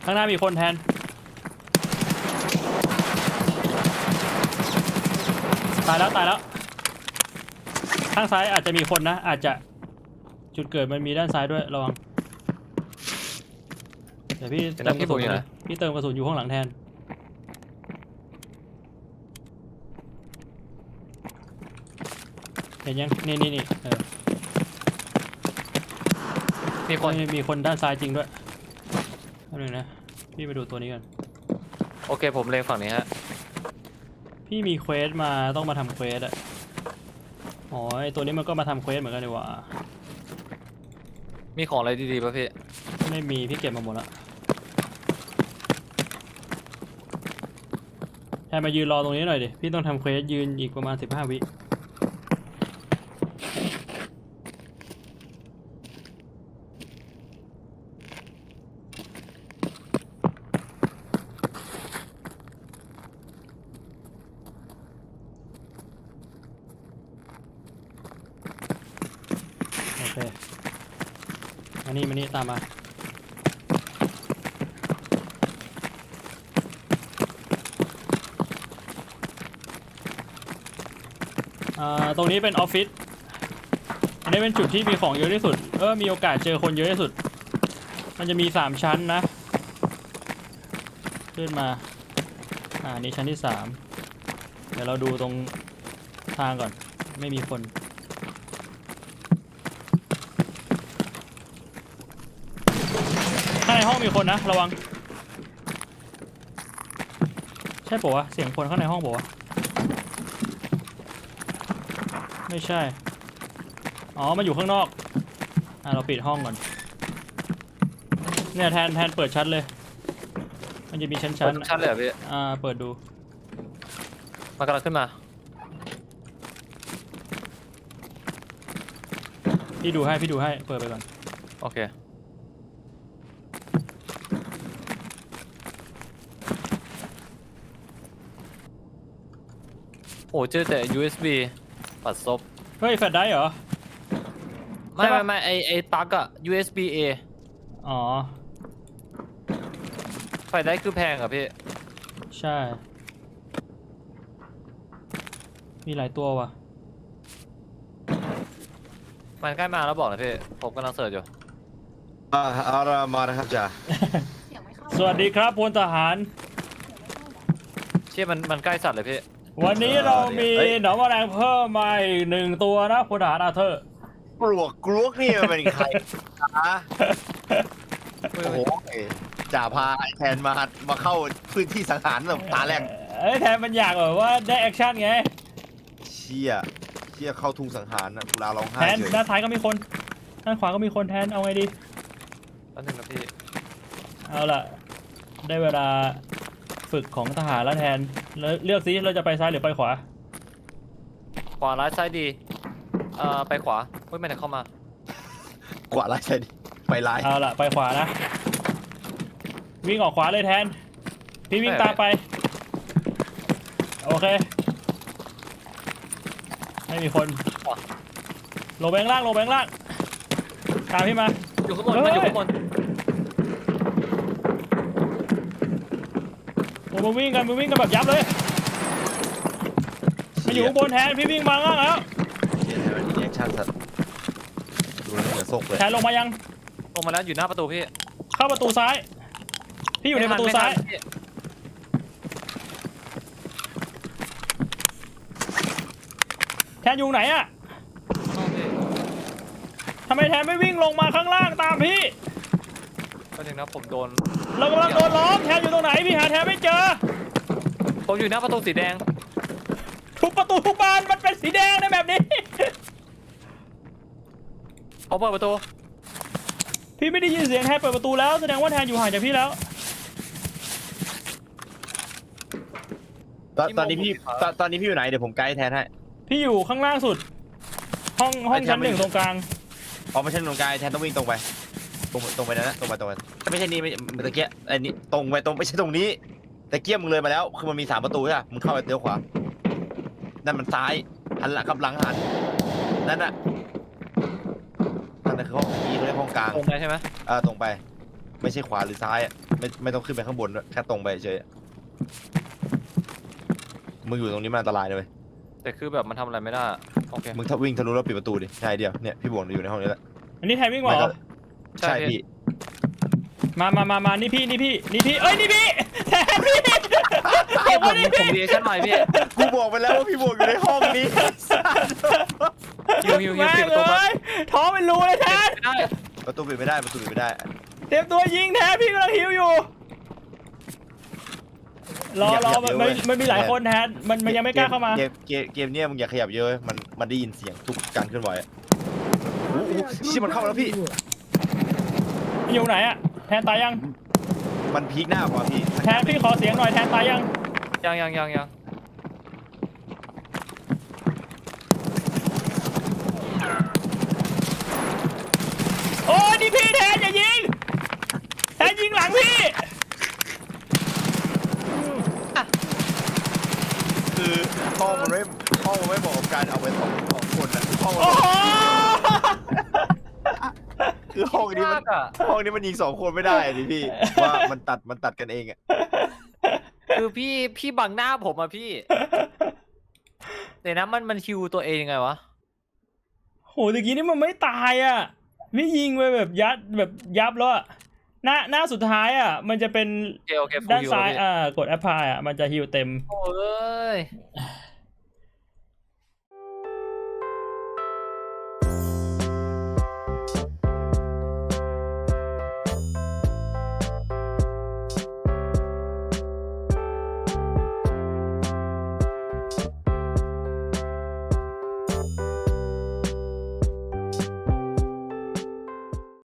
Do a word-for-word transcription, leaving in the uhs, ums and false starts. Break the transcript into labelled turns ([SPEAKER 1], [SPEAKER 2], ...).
[SPEAKER 1] ข้างหน้ามีคนแทนตายแล้วตายแล้วข้างซ้ายอาจจะมีคนนะอาจจะจุดเกิดมันมีด้านซ้ายด้วยระวังเดี๋ยวพี่เติมกระสุนอยู่พี่เติมกระสุนอยู่ข้างหลังแทนเห็นยังนี่นี่นี่เออมีคนมีคนด้านซ้ายจริงด้วยอันนึงนะพี่ไปดูตัวนี้กัน
[SPEAKER 2] โอเคผมเล็งฝั่งนี้ฮะ
[SPEAKER 1] พี่มีเควสมาต้องมาทำเควสอะอ๋อไอตัวนี้มันก็มาทำเควสเหมือนกันดีกว่า
[SPEAKER 2] มีของอะไรดีๆป่ะพี่
[SPEAKER 1] ไม่มีพี่เก็บมาหมดแล้วแทนมายืนรอตรงนี้หน่อยดิพี่ต้องทำเควสยืนอีกประมาณสิบห้าวิโอเคมานี่มานี่ตามมาอ่าตรงนี้เป็นออฟฟิศอันนี้เป็นจุดที่มีของเยอะที่สุดเออมีโอกาสเจอคนเยอะที่สุดมันจะมีสามชั้นนะขึ้นมาอ่านี่ชั้นที่สามเดี๋ยวเราดูตรงทางก่อนไม่มีคนข้างในห้องมีคนนะระวังใช่ปะวะเสียงคนข้างในห้องปะวะไม่ใช่อ๋อมาอยู่ข้างนอกอ่ะเราปิดห้องก่อนเนี่ยแทนแทนเปิดชั้นเลยมันจะมีชั้นชั้น
[SPEAKER 2] ชั้นเลยเหรอพี่
[SPEAKER 1] อ่าเปิดดู
[SPEAKER 2] มันกำลังขึ้นมา
[SPEAKER 1] พี่ดูให้พี่ดูให้เปิดไปก่อน
[SPEAKER 2] โอเคโอ้เจอแต่ ยู เอส บี ปัดซบ
[SPEAKER 1] เฮ้ยแฟลชไดรฟ์เหรอ
[SPEAKER 2] ไม่ไม่ไม่ไอไอปลั๊กอะ ยู เอส บี เอ
[SPEAKER 1] อ๋อ
[SPEAKER 2] ไฟได้คือแพงอะพี่
[SPEAKER 1] ใช่มีหลายตัวว่ะ
[SPEAKER 2] มันใกล้มาแล้วบอกนะพี่ผมกำลังเสิร์ชอยู่
[SPEAKER 3] อ่าเอาละมานะครับจ่า
[SPEAKER 1] สวัสดีครับพลทหาร
[SPEAKER 2] เชี่ยมันมันใกล้สัตว์เลยพี่
[SPEAKER 1] วันนี้เรามีหนอนแมลงเพิ่มมาอีกหนึ่งตัวนะพลทหารอาเธอร์
[SPEAKER 3] กลวกกลวกนี่มันเป็นใครนะโอ้โหจ่าพาไอแทนมามาเข้าพื้นที่สังหารแบบตาแรก
[SPEAKER 1] เอ้ยแทนมันอยากแบบว่าได้แอคชั่นไง
[SPEAKER 3] เชี่ยเชี่ยเข้าทุ่งสังหารนะกุลาร้องไห้
[SPEAKER 1] แทนด้านซ้ายก็มีคนด้านขวาก็มีคนแทนเอาไงดี
[SPEAKER 2] อันหนึ่งนะพี่
[SPEAKER 1] เอาล่ะได้เวลาฝึกของทหารแล้วแทนแล้วเลือกซิเราจะไปซ้ายหรือไปขวา
[SPEAKER 2] ขวาร้ายซ้ายดีเอ่อไปขวาเฮ้ยไม่ได้เข้ามา
[SPEAKER 3] ขวาร้ายใช่ดิไปร้าย
[SPEAKER 1] เอาล่ะไปขวานะวิ่งออกขวาเลยแทนพี่วิ่งตามไปโอเคไม่มีคนลงไปข้างล่างลงไปข้างล่างตามพี่มา
[SPEAKER 2] อยู่ข้างบนมันอยู่ข้างบน
[SPEAKER 1] โอ้มาวิ่งกันมาวิ่งกันแบบยับเลยมาอยู่ข้างบนแทนพี่วิ่งมาข้างล่างแล้ว
[SPEAKER 3] เชี่ยแทนมันแอคชั่นสัตว์ดูแล้วเหนือซกเลย
[SPEAKER 1] แทนลงมายัง
[SPEAKER 2] ลงมาแล้วอยู่หน้าประตูพี่
[SPEAKER 1] เข้าประตูซ้ายพี่อยู่ในประตูซ้ายแทนอยู่ไหนอะทำไมแทนไม่วิ่งลงมาข้างล่างตามพี่
[SPEAKER 2] ก็ถึงนะผมโดน
[SPEAKER 1] เรากำลังโดนล้อมแทนอยู่ตรงไหนพี่หาแทนไม่เจอ
[SPEAKER 2] ผมอยู่หน้าประตูสีแดง
[SPEAKER 1] ทุกประตูทุกบานมันเป็นสีแดงในแบบนี้
[SPEAKER 2] เขาเปิดประตู
[SPEAKER 1] พี่ไม่ได้ยินเสียงแทนเปิดประตูแล้วแสดงว่าแทนอยู่ห่างจากพี่แล้ว
[SPEAKER 3] ตอนนี้พี่ตอนนี้พี่อยู่ไหนเดี๋ยวผมไกด์แทนให้
[SPEAKER 1] พี่อยู่ข้างล่างสุดห้องห้องชั้นหนึ่งตรงกลาง
[SPEAKER 3] อ๋อไม่ใช่ตรงกลางแทนต้องวิ่งตรงไปตรงตรงไปนะตรงไปตรงไปไม่ใช่นี่ไม่ตะเกียบไอ้นี่ตรงไปตรงไม่ใช่ตรงนี้ตะเกียบมึงเลยมาแล้วคือมันมีสามประตูใช่ไหมมึงเข้าไปเลี้ยวขวานั่นมันซ้ายหันหลังกับหลังหันนั่นน่ะนั่นคือห้องนี้เขาเรียกห้องกลาง
[SPEAKER 2] ตรงไปใช่ไหม
[SPEAKER 3] อ่าตรงไปไปไม่ใช่ขวาหรือซ้ายอ่ะไม่ไม่ต้องขึ้นไปข้างบนด้วยแค่ตรงไปเฉยมึงอยู่ตรงนี้มันอันตรายเลย
[SPEAKER 2] แต่คือแบบมันทำอะไรไม่ได้โอเค
[SPEAKER 3] มึงถ้าวิ่งทะลุแล้วปิดประตูดิใช่เดียวเนี่ยพี่บวงอยู่ในห้องนี้แหละ
[SPEAKER 1] อันนี้แทนวิ่งเหรอ
[SPEAKER 3] ใช่พี่
[SPEAKER 1] มามามามานี่พี่นี่พี่นี่พี่เอ้ยนี่พี่แทนพี่
[SPEAKER 2] พี่ผม
[SPEAKER 1] นี่
[SPEAKER 2] ผมดีชั่นหน่อยพี่
[SPEAKER 3] กูบอกไปแล้วว่าพี่บวงอยู่ในห้องนี้
[SPEAKER 2] ฮิวฮิวฮิว
[SPEAKER 1] แม่
[SPEAKER 2] ปิด
[SPEAKER 1] ง
[SPEAKER 2] ประตู
[SPEAKER 1] เล
[SPEAKER 2] มาย
[SPEAKER 1] ท้องเป็นรูเลยแทน
[SPEAKER 2] ไม่ได้
[SPEAKER 3] ประตูปิดไม่ได้ประตูปิดไม่ได้
[SPEAKER 1] เตรียมตัวยิงแทนพี่กำลังหิวอยู่รอรอมันมันมันมีหลายคนแทนมันมันยังไม่กล้าเข้ามา
[SPEAKER 3] เกมเกมเกมเนี้ยมึงอย่าขยับเยอะมันมันได้ยินเสียงทุกการเคลื่อนไหวโอ้โหชิมันเข้ามาแล้วพี่
[SPEAKER 1] อยู่ไหนอะแทนตายยัง
[SPEAKER 3] มันพีคหน้ากว่าพี่
[SPEAKER 1] แทนพี่ขอเสียงหน่อยแทนตายยัง
[SPEAKER 2] ยังยังยังยัง
[SPEAKER 1] โอ้ยนี่พี่แทนอย่ายิงแทนยิงหลังพี่
[SPEAKER 3] คือห้องมันไม่ห้องมันไม่บอกกับการเอาไปสองสองคนอะห้องมัน
[SPEAKER 1] โอ้โห
[SPEAKER 3] คือห้องนี้มัน
[SPEAKER 2] ยากอะ
[SPEAKER 3] ห้องนี้มันยิงสองคนไม่ได้ดิพี่ว่ามันตัดมันตัดกันเองอะ
[SPEAKER 2] คือพี่พี่บังหน้าผมอะพี่เดี๋ยวนะมันมันฮิวตัวเองยังไงวะ
[SPEAKER 1] โหตะกี้นี่มันไม่ตายอ่ะพี่ยิงไปแบบยัดแบบยับแล้วอะหน้าหน้าสุดท้ายอ่ะมันจะเป็น
[SPEAKER 2] โอเคโอเคฟูล
[SPEAKER 1] ด้าน
[SPEAKER 2] ฮิว
[SPEAKER 1] ซ้าย
[SPEAKER 2] แล้วพี่
[SPEAKER 1] อ่ากดแอปพลายอ่ะมันจะฮิวเต็ม
[SPEAKER 2] โอ้ย